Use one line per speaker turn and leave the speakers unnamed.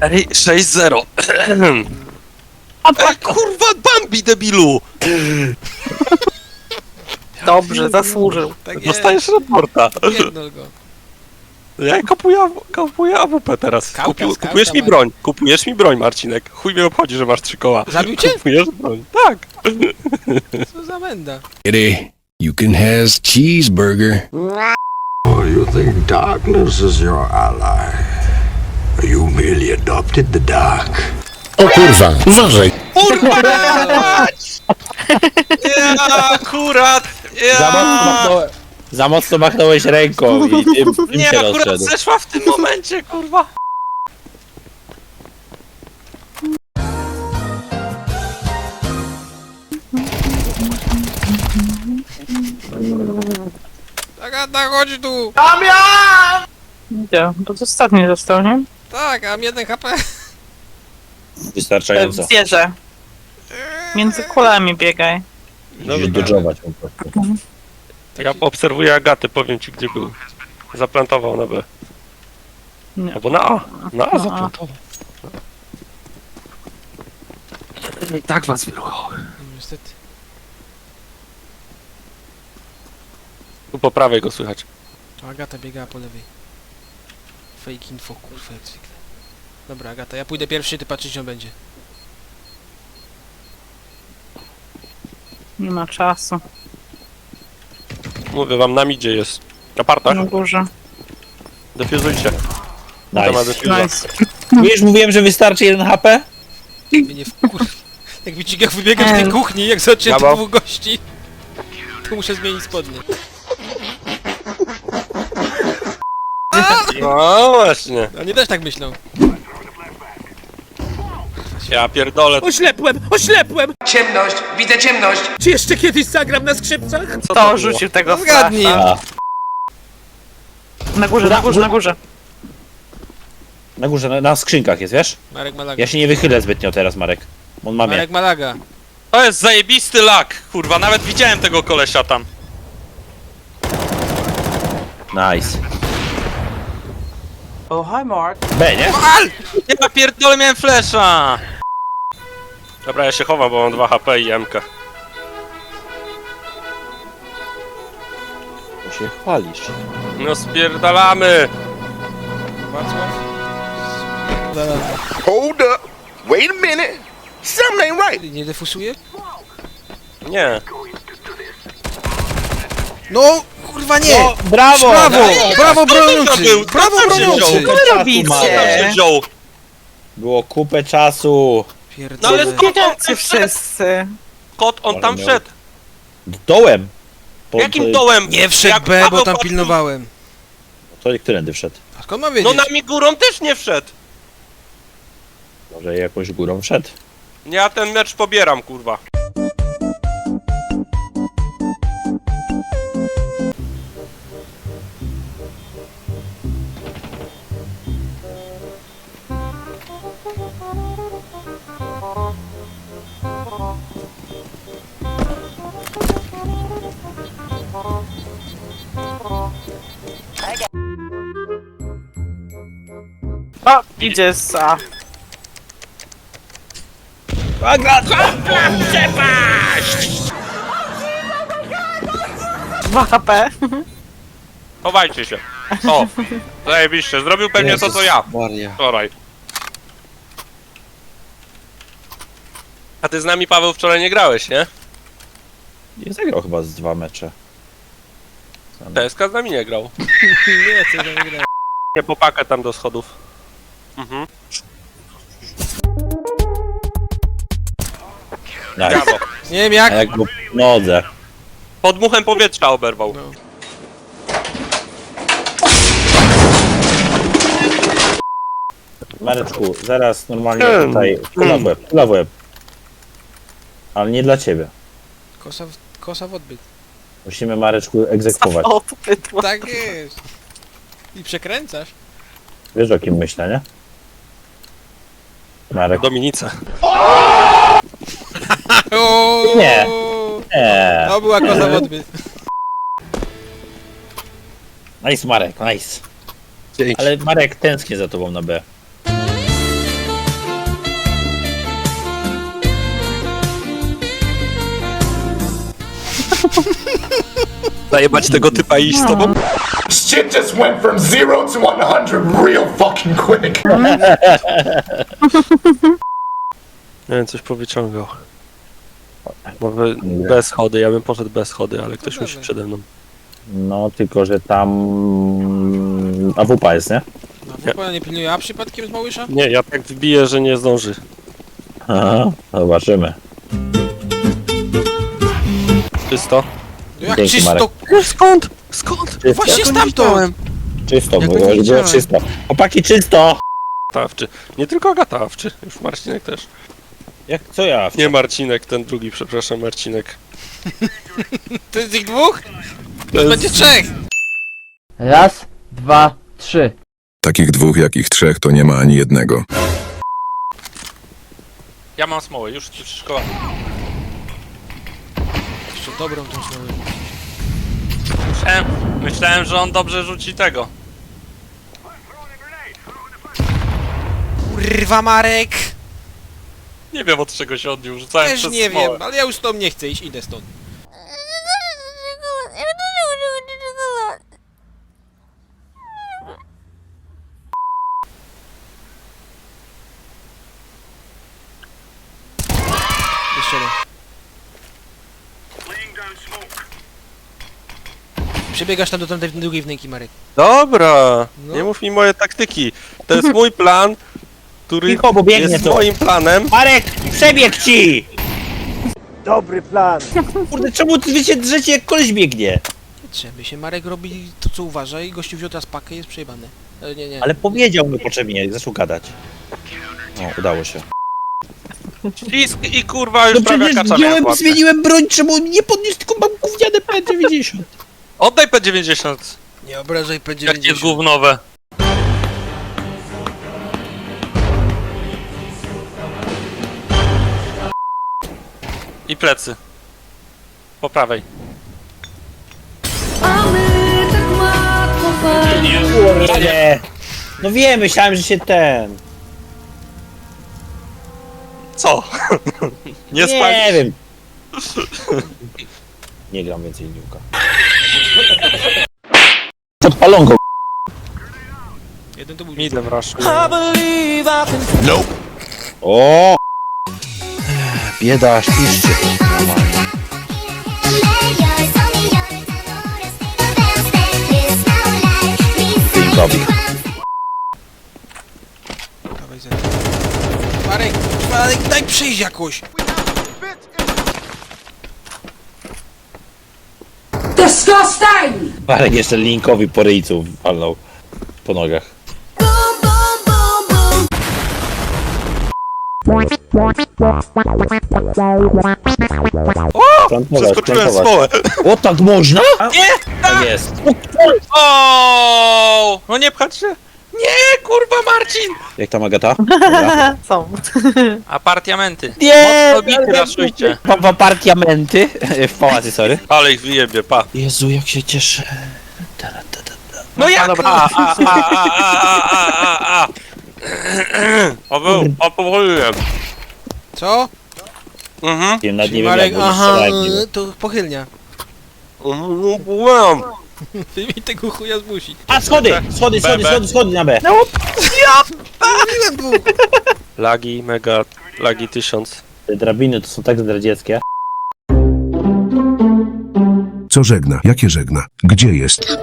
Ej, 6-0. Ej, kurwa, Bambi, debilu!
Dobrze, zasłużył.
Tak jest.
Dostajesz raporta.
Pierdol go.
Ja kupuję AWP teraz.
Skauta,
Kupujesz mi broń. Kupujesz mi broń, Marcinek. Chuj mnie obchodzi, że masz 3 koła.
Zabił cię?
Kupujesz broń. Tak.
Co za menda.
Kitty, you can has cheeseburger.
Oh, you think darkness is your ally? You merely adopted the dark.
O kurwa, uważaj!
Kurwa! Ja, akurat! Ja!
Za mocno machnąłeś ręką i tym
Nie,
się
akurat
rozszedł.
zeszła w tym momencie, kurwa.
Agata, chodź tu!
Idzie, to ostatni został, nie?
Tak, mam 1 HP.
Wystarczająco.
Zwierzę. Między kulami biegaj.
Musisz dodżować po prostu.
Ja obserwuję Agaty, powiem ci gdzie był. Zaplantował na B.
Nie.
Albo na A. Na A zaplantował. I tak was wyruchało.
Niestety.
Tu po prawej go słychać.
To Agata biegała po lewej. Fake info, kurwa, jak zwykle. Dobra, Agata, ja pójdę pierwszy, ty patrzysz, on będzie.
Nie ma czasu.
Mówię wam, na midzie jest. Na partach.
Na górze.
Defuzujcie. To ma
Nice.
defuza.
Nice.
Wiesz, mówiłem, że wystarczy 1 HP?
Mnie nie wkur... Jak widzicie, jak wybiegam z tej kuchni, jak zobaczę
Brawo.
2 gości, to muszę zmienić spodnie.
No właśnie.
Oni też tak myślą.
Ja pierdolę.
Oślepłem! Ciemność, widzę ciemność!
Czy jeszcze kiedyś zagram na skrzypcach?
Co
To
było?
rzucił tego
Zgadnij.
flasha.
A,
Na górze, na górze, na górze.
na górze, na skrzynkach jest, wiesz?
Marek Malaga.
Ja się nie wychylę zbytnio teraz, Marek. On ma mnie.
Marek Malaga.
To jest zajebisty lak, kurwa, nawet widziałem tego kolesia tam.
Nice.
Oh, hi Mark.
B, nie?
Ja pierdolę, miałem flesza. Dobra, ja się chowam, bo mam 2 HP i MK.
To się chwalisz.
No spierdalamy.
Wacław.
Hold up. Wait a minute. Something ain't right.
Nie defusuje?
Nie.
No, kurwa nie!
O, brawo!
Brawo! Brawo
to
broniący!
był?
Brawo
Kto tam się
broniący!
wziął?
Co robicie?
Kto się wziął?
Było kupę czasu.
No ale
Pierdolę.
skąd on
Biegacie
tam wszedł?
wszyscy.
Skąd on tam
Miał-
wszedł?
Dołem.
Jakim dołem?
Nie wszedł
Jak
B, bo
Paweł
tam
patrzył-
pilnowałem.
To którędy wszedł?
A skąd mam
No
wiedzieć?
nami górą też nie wszedł.
Może jakąś górą wszedł.
Ja ten mecz pobieram, kurwa.
O, idzie z A. Dwa HP.
Chowajcie się. O, zajebiście. Zrobił pewnie to, co ja wczoraj. A ty z nami, Paweł, wczoraj nie grałeś, nie?
Nie zagrał chyba z 2 mecze.
TSK z nami nie grał.
Nie, co za wygrałem.
Nie popakę tam do schodów. Mhm.
Nice.
Brawo.
Nie wiem
A
jak.
jak go w nodze.
Podmuchem powietrza oberwał.
No.
Mareczku, zaraz normalnie tutaj kula w łeb. Ale nie dla ciebie.
Kosa w odbyt.
Musimy, Mareczku, egzekwować.
O, to pytło.
Tak jest. I przekręcasz.
Wiesz, o kim myślę, nie? Marek.
Dominice.
Nie. Nie.
To była kosa w odbyt.
Nice, Marek, nice.
Dzięki.
Ale Marek tęsknię za tobą na B.
Zajebać tego typa i iść z tobą?
Shit just went from 0 to 100 real fucking quick.
Nie wiem, coś powyciągał. Może bez schody, ja bym poszedł bez schody, ale ktoś musi przede mną.
No, tylko że tam... AWP jest, nie?
No, w nie pilnuje, a przypadkiem z Małysza?
Nie, ja tak wbiję, że nie zdąży.
Aha, zobaczymy.
Czysto?
Jak
Dzięki,
czysto?
Marek.
Skąd? Skąd?
Właśnie stamtąd!
Czysto,
Jakby
było,
nie
było
widziałem.
czysto. Chłopaki, czysto!
Tawczy. Nie tylko Agatawczy, już Marcinek też.
Jak, co ja?
Nie Marcinek, ten drugi, przepraszam, Marcinek.
To jest ich dwóch?
To jest-
Będzie trzech!
Raz, dwa, trzy.
Takich dwóch, jakich trzech, to nie ma ani jednego.
Ja mam smołę, już szkoła.
Jeszcze dobrą tą smołę.
Myślałem, że on dobrze rzuci tego.
Kurwa, Marek!
Nie wiem, od czego się odniósł, rzucałem
Też
przez
nie
smołę.
wiem, ale ja już stąd nie chcę iść, idę stąd. Jeszcze jeden. Przebiegasz tam do tamtej drugiej wnęki, Marek.
Dobra,
No.
nie mów mi moje taktyki. To jest mój plan, który
Cicho, bo biegnie
jest
tu.
moim planem.
Marek, przebieg ci! Dobry plan. Kurde, czemu wy się drzecie jak koleś biegnie?
Trzeba się, Marek robi to, co uważa i gościu wziął teraz pakę i jest przejebany. Ale nie.
Ale powiedział mi potrzebnie, zaczął gadać. No, udało się.
I kurwa już prawie kacza miałem w łapce.
zmieniłem broń, czemu nie podniósł, tylko mam gówniane P90.
Oddaj P90,
Nie obrażaj P90.
jak jest gównowe. I plecy. Po prawej.
Kurde. No wiem, myślałem, że się ten...
Co? Nie
Nie
spalisz?
wiem. Nie gram więcej niuka. Podpalonko.
Jeden to był...
Midem rush.
O! Bieda, śpiszcie. Pinkowi.
Dawaj, Marek, daj przejść jakoś!
Marek jeszcze Linkowi po ryjcu walnął. Po nogach.
Przeskoczyłem smołę.
O, tak można? Nie! Tak jest.
O! No nie pchać się. Nie, kurwa Marcin!
Jak tam Agata? Dobra.
Są.
Apartamenty.
Nie!
Mocno bity raszujcie.
W apartamenty. W pałacy, sorry.
Ale ich wyjebie, pa.
Jezu, jak się cieszę.
No jak? Opowoliłem.
Co?
Mhm.
Nawet nie wiem,
Marek,
jak
aha,
strzelać.
to pochylnia.
Byłem.
Ty mi tego chuja zmusi.
A, schody! Schody na B.
Mówiłem dwóch!
Lagi, mega, lagi 1000.
Te drabiny to są tak zdradzieckie.
Co żegna? Jakie żegna? Gdzie jest?